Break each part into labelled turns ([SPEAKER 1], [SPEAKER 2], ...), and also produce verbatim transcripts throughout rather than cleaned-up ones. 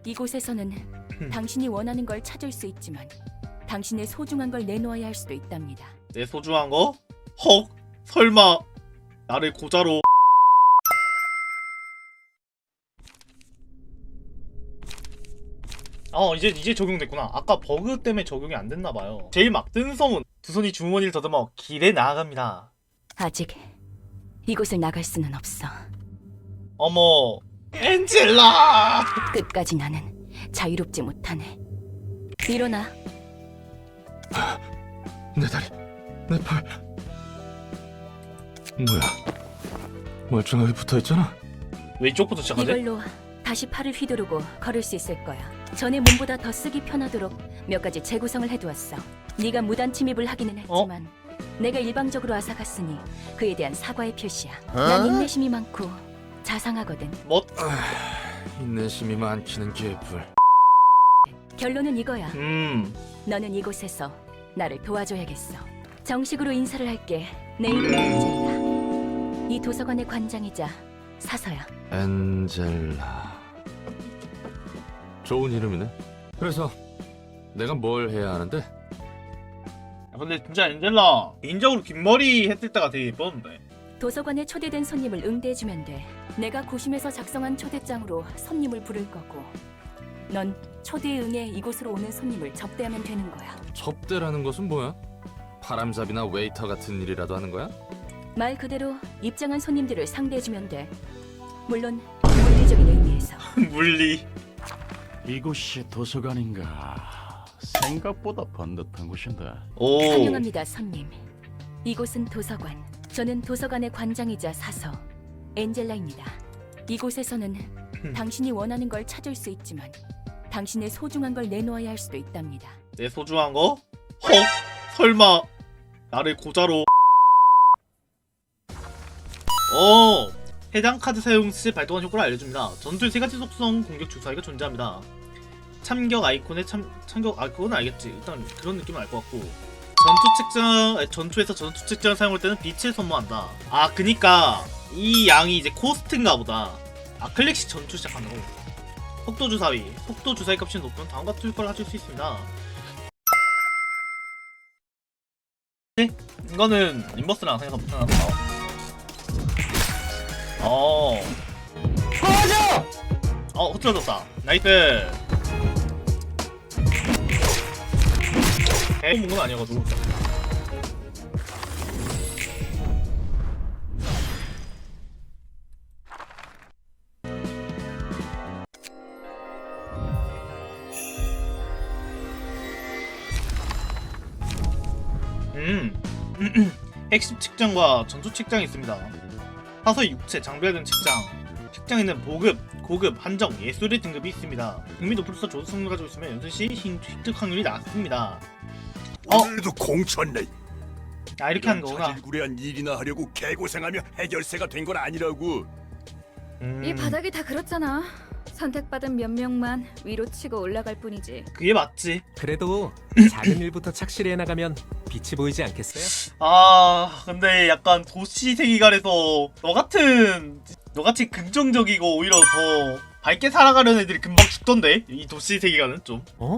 [SPEAKER 1] 이곳에서는 당신이 원하는 걸 찾을 수 있지만 당신의 소중한 걸 내놓아야 할 수도 있답니다.
[SPEAKER 2] 내 소중한 거? 헉! 설마 나를 고자로. 어 이제 이제 적용됐구나. 아까 버그 때문에 적용이 안 됐나봐요. 제일 막 뜬 소문. 두 손이 주머니를 더듬어 길에 나아갑니다.
[SPEAKER 1] 아직 이곳을 나갈 수는 없어.
[SPEAKER 2] 어머 엔젤라.
[SPEAKER 1] 끝까지 나는 자유롭지 못하네. 일어나.
[SPEAKER 3] 내 다리, 내 팔. 뭐야? 멀쩡하게 붙어있잖아.
[SPEAKER 2] 왜 이쪽부터 시작하지?
[SPEAKER 1] 이걸로 다시 팔을 휘두르고 걸을 수 있을 거야. 전에 몸보다 더 쓰기 편하도록 몇 가지 재구성을 해두었어. 네가 무단 침입을 하기는 했지만 내가 일방적으로 앗아갔으니 그에 대한 사과의 표시야. 난 인내심이 많고 자상하거든.
[SPEAKER 2] 뭐?
[SPEAKER 3] 인내심이 많기는 개뿔.
[SPEAKER 1] 결론은 이거야.
[SPEAKER 2] 음
[SPEAKER 1] 너는 이곳에서 나를 도와줘야겠어. 정식으로 인사를 할게. 내 이름은 엔젤라. 이 도서관의 관장이자 사서야.
[SPEAKER 3] 엔젤라. 좋은 이름이네. 그래서 내가 뭘 해야 하는데?
[SPEAKER 2] 야, 근데 진짜 엔젤라 개인적으로 긴 머리 했을 때가 되게 예뻤는데.
[SPEAKER 1] 도서관에 초대된 손님을 응대해주면 돼. 내가 고심해서 작성한 초대장으로 손님을 부를 거고 넌 초대에 응해 이곳으로 오는 손님을 접대하면 되는 거야.
[SPEAKER 3] 접대라는 것은 뭐야? 바람잡이나 웨이터 같은 일이라도 하는 거야?
[SPEAKER 1] 말 그대로 입장한 손님들을 상대해주면 돼. 물론 물리적인 의미에서.
[SPEAKER 2] 물리.
[SPEAKER 4] 이곳이 도서관인가? 생각보다 번듯한 곳인데.
[SPEAKER 2] 오.
[SPEAKER 1] 환영합니다, 손님. 이곳은 도서관. 저는 도서관의 관장이자 사서 엔젤라입니다. 이곳에서는 당신이 원하는 걸 찾을 수 있지만 당신의 소중한 걸 내놓아야 할 수도 있답니다.
[SPEAKER 2] 내 소중한 거? 헉! 설마 나를 고자로. 어 해당 카드 사용 시 발동한 효과를 알려줍니다. 전투에 세 가지 속성 공격 주사위가 존재합니다. 참격 아이콘의 참 참격 아 그건 알겠지. 일단 그런 느낌은 알 것 같고 전투 책장 아니, 전투에서 전투 책장을 사용할 때는 빛을 선모한다. 아 그니까 이 양이 이제 코스트인가 보다. 아 클릭시 전투 시작하는 거. 속도 주사위 속도 주사위 값이 높으면 다음과 같은 효과를 가질 수 있습니다. 이거는 인버스랑 생각보다 편하다. 어. 터져! 어, 흐트러졌다. 나이스. 에, 건 아니어가지고. 음. 핵심 책장과 전투 책장이 있습니다. 사서 육체, 장비와 등 책장. 책장에는 보급, 고급, 한정, 예술의 등급이 있습니다. 등급이 높을수록 좋은 성능을 가지고 있으면 연습시 획득 확률이 낮습니다. 어?
[SPEAKER 5] 오늘도 공쳤네.
[SPEAKER 2] 아 이렇게 하는 거구나.
[SPEAKER 5] 자질구레한 일이나 하려고 개고생하며 해결세가 된 건 아니라고.
[SPEAKER 2] 음,
[SPEAKER 6] 이 바닥이 다 그렇잖아. 선택받은 몇 명만 위로 치고 올라갈 뿐이지.
[SPEAKER 2] 그게 맞지.
[SPEAKER 7] 그래도 작은 일부터 착실히 해나가면 빛이 보이지 않겠어요?
[SPEAKER 2] 아 근데 약간 도시 세계관에서 너 같은 너같이 긍정적이고 오히려 더 밝게 살아가려는 애들이 금방 죽던데 이 도시 세계관은 좀.
[SPEAKER 7] 어?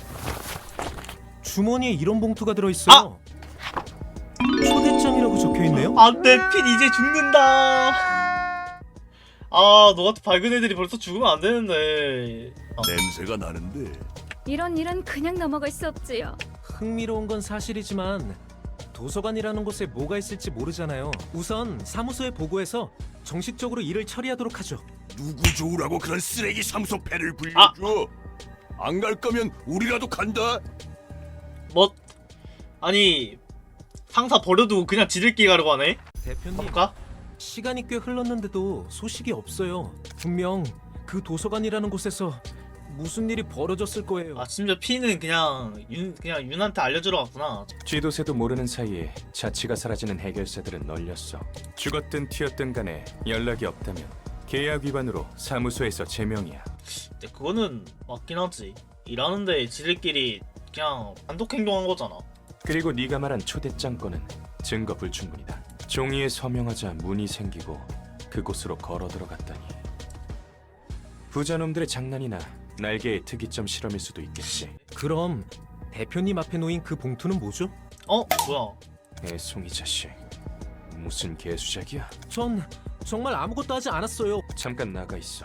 [SPEAKER 7] 주머니에 이런 봉투가 들어있어요. 초대장이라고 적혀있네요?
[SPEAKER 2] 안돼 핀 이제 죽는다. 아 너같은 밝은 애들이 벌써 죽으면 안 되는데. 아.
[SPEAKER 5] 냄새가 나는데.
[SPEAKER 6] 이런 일은 그냥 넘어갈 수 없지요.
[SPEAKER 7] 흥미로운 건 사실이지만 도서관이라는 곳에 뭐가 있을지 모르잖아요. 우선 사무소에 보고해서 정식적으로 일을 처리하도록 하죠.
[SPEAKER 5] 누구 좋으라고 그런 쓰레기 사무소 패를 불려줘. 안 갈 거면 우리라도 간다.
[SPEAKER 2] 뭐 아니 상사 버려두고 그냥 지들끼리 가려고 하네?
[SPEAKER 7] 대표님,
[SPEAKER 2] 가볼까?
[SPEAKER 7] 시간이 꽤 흘렀는데도 소식이 없어요. 분명 그 도서관이라는 곳에서 무슨 일이 벌어졌을 거예요.
[SPEAKER 2] 아 심지어 피는 그냥 윤 그냥 윤한테 알려주러 갔구나.
[SPEAKER 8] 쥐도새도 모르는 사이에 자취가 사라지는 해결사들은 널렸어. 죽었든 튀었든 간에 연락이 없다면 계약 위반으로 사무소에서 제명이야.
[SPEAKER 2] 근데 그거는 맞긴 하지. 일하는데 지들끼리 그냥 단독 행동한 거잖아.
[SPEAKER 8] 그리고 네가 말한 초대장 건은 증거 불충분이다. 종이에 서명하자 문이 생기고 그곳으로 걸어 들어갔다니. 부자놈들의 장난이나 날개의 특이점 실험일 수도 있겠지.
[SPEAKER 7] 그럼 대표님 앞에 놓인 그 봉투는 뭐죠?
[SPEAKER 2] 어 뭐야?
[SPEAKER 8] 애송이 자식. 무슨 개수작이야?
[SPEAKER 7] 전 정말 아무것도 하지 않았어요.
[SPEAKER 8] 잠깐 나가 있어.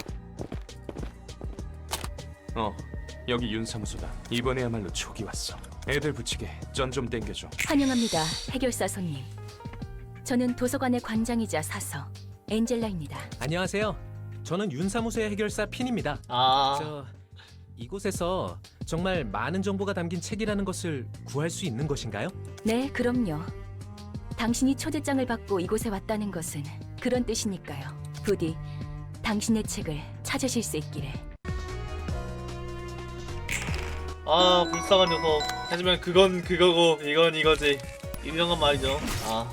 [SPEAKER 8] 어, 여기 윤사무소다. 이번에야말로 촉이 왔어. 애들 붙이게 전 좀 땡겨줘.
[SPEAKER 1] 환영합니다, 해결사 손님. 저는 도서관의 관장이자 사서 엔젤라입니다.
[SPEAKER 7] 안녕하세요. 저는 윤사무소의 해결사 핀입니다.
[SPEAKER 2] 아
[SPEAKER 7] 저 이곳에서 정말 많은 정보가 담긴 책이라는 것을 구할 수 있는 것인가요?
[SPEAKER 1] 네, 그럼요. 당신이 초대장을 받고 이곳에 왔다는 것은 그런 뜻이니까요. 부디 당신의 책을 찾으실 수 있기를.
[SPEAKER 2] 아 불쌍한 녀석. 하지만 그건 그거고 이건 이거지. 유명한 말이죠. 아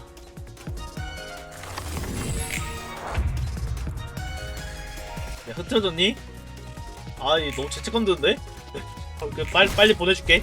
[SPEAKER 2] 야, 흐트러졌니? 아이 너무 죄책감 드는데? 어, 그 빨리 빨리 보내줄게.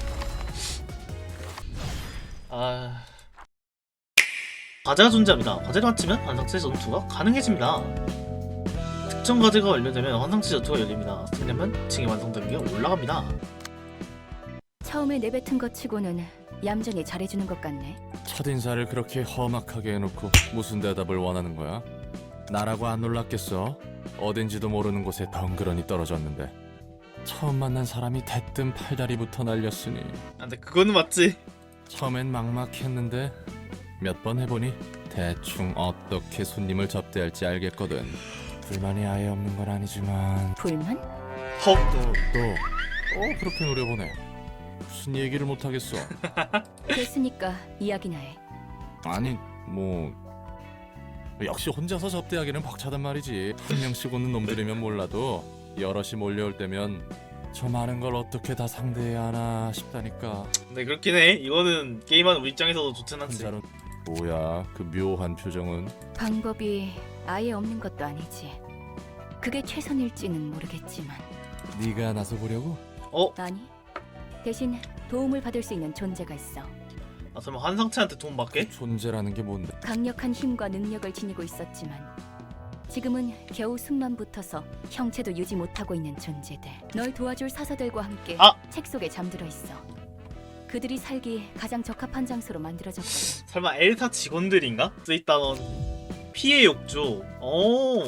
[SPEAKER 2] 아 과제가 존재합니다. 과제를 마치면 환상체 전투가 가능해집니다. 특정 과제가 완료되면 환상체 전투가 열립니다. 왜냐면 층이 완성된 게 올라갑니다.
[SPEAKER 1] 처음에 내뱉은 것 치고는 얌전히 잘해주는 것 같네.
[SPEAKER 3] 첫인사를 그렇게 험악하게 해놓고 무슨 대답을 원하는 거야? 나라고 안 놀랐겠어? 어딘지도 모르는 곳에 덩그러니 떨어졌는데 처음 만난 사람이 대뜸 팔다리부터 날렸으니
[SPEAKER 2] 아, 근데 그거는 맞지.
[SPEAKER 3] 처음엔 막막했는데 몇 번 해보니 대충 어떻게 손님을 접대할지 알겠거든. 불만이 아예 없는 건 아니지만
[SPEAKER 1] 불만?
[SPEAKER 2] 헉.
[SPEAKER 3] 또, 어 그렇게 노려보네. 무슨 얘기를 못하겠어.
[SPEAKER 1] 됐으니까 이야기나 해.
[SPEAKER 3] 아니 뭐 역시 혼자서 접대하기는 벅차단 말이지. 한 명씩 오는 놈들이면 몰라도 여럿이 몰려올 때면 저 많은 걸 어떻게 다 상대해야 하나 싶다니까.
[SPEAKER 2] 네 그렇긴 해. 이거는 게임하는 우리 입장에서도 좋진 않지.
[SPEAKER 3] 혼자로 뭐야 그 묘한 표정은.
[SPEAKER 1] 방법이 아예 없는 것도 아니지. 그게 최선일지는 모르겠지만.
[SPEAKER 3] 네가 나서 보려고?
[SPEAKER 2] 어?
[SPEAKER 1] 아니, 대신 도움을 받을 수 있는 존재가 있어.
[SPEAKER 2] 아 설마 환상체한테 돈 받게?
[SPEAKER 3] 존재라는 게 뭔데?
[SPEAKER 1] 강력한 힘과 능력을 지니고 있었지만 지금은 겨우 숨만 붙어서 형체도 유지 못하고 있는 존재들. 널 도와줄 사서들과 함께
[SPEAKER 2] 아!
[SPEAKER 1] 책 속에 잠들어 있어. 그들이 살기 가장 적합한 장소로 만들어졌거든.
[SPEAKER 2] 설마 엘사 직원들인가? 쓰있다던 피해 욕조. 오.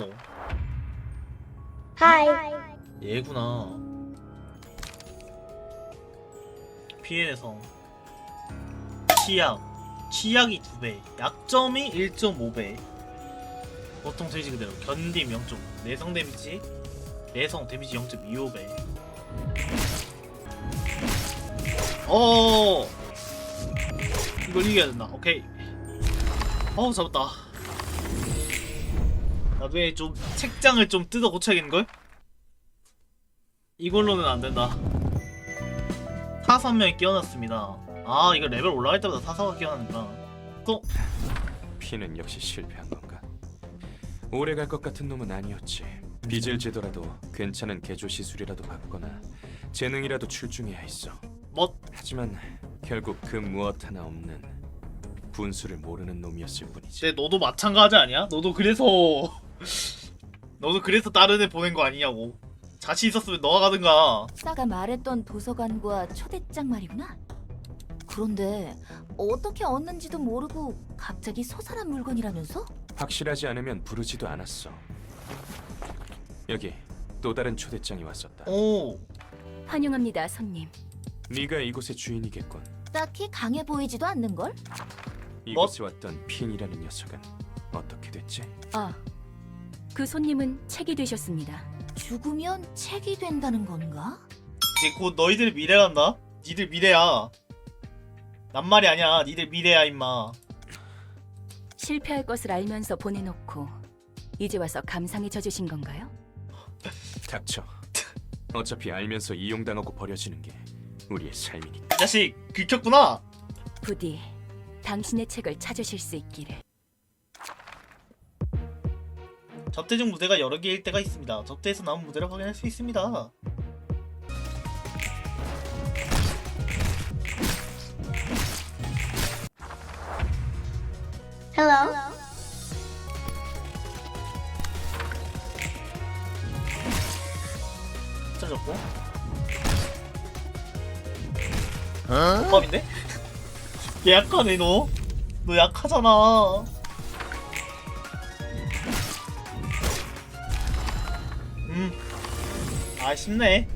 [SPEAKER 9] 하이.
[SPEAKER 2] 얘구나. 피해 내성. 치약. 치약이 두 배. 약점이 일 점 오 배. 보통 데미지 그대로. 견딤 영 점 오. 내성 데미지. 내성 데미지 영 점 이오 배. 어. 이걸 이겨야 된다. 오케이. 어우 잡았다. 나중에 좀 책장을 좀 뜯어 고쳐야겠는걸? 이걸로는 안 된다. 사서 한 명이 끼워놨습니다. 아 이거 레벨 올라갈 때마다 사서가 끼워나는구나. 또
[SPEAKER 8] 피는 역시 실패한 건가? 오래 갈 것 같은 놈은 아니었지. 빚을 지더라도 괜찮은 개조 시술이라도 받거나 재능이라도 출중해야 했어.
[SPEAKER 2] 뭐?
[SPEAKER 8] 하지만 결국 그 무엇 하나 없는 분수를 모르는 놈이었을 뿐이지.
[SPEAKER 2] 근데 너도 마찬가지 아니야? 너도 그래서 너도 그래서 다른 애 보낸 거 아니냐고. 자신 있었으면 너가 가든가.
[SPEAKER 9] 싸가 말했던 도서관과 초대장 말이구나. 그런데 어떻게 얻는지도 모르고 갑자기 소산한 물건이라면서?
[SPEAKER 8] 확실하지 않으면 부르지도 않았어. 여기 또 다른 초대장이 왔었다.
[SPEAKER 2] 오.
[SPEAKER 1] 환영합니다, 손님.
[SPEAKER 8] 네가 이곳의 주인이겠군.
[SPEAKER 9] 딱히 강해 보이지도 않는걸?
[SPEAKER 8] 이곳에 왔던 핀이라는 녀석은 어떻게 됐지?
[SPEAKER 1] 아, 그 손님은 책이 되셨습니다.
[SPEAKER 9] 죽으면 책이 된다는 건가?
[SPEAKER 2] 이제 곧 너희들 미래 간다. 니들 미래야. 난 말이 아니야. 니들 미래야 임마.
[SPEAKER 1] 실패할 것을 알면서 보내놓고 이제 와서 감상에 젖으신 건가요?
[SPEAKER 8] 닥쳐. 어차피 알면서 이용당하고 버려지는 게 우리의 삶이니까.
[SPEAKER 2] 이 자식 긁혔구나.
[SPEAKER 1] 부디 당신의 책을 찾으실 수 있기를.
[SPEAKER 2] 접대 중 무대가 여러 개일 때가 있습니다. 접대에서 나온 무대를 확인할 수 있습니다.
[SPEAKER 9] Hello.
[SPEAKER 2] 자 맞춰줬고. 독감인데? 얘 약하네 너. 너 약하잖아. 음. 아 쉽네.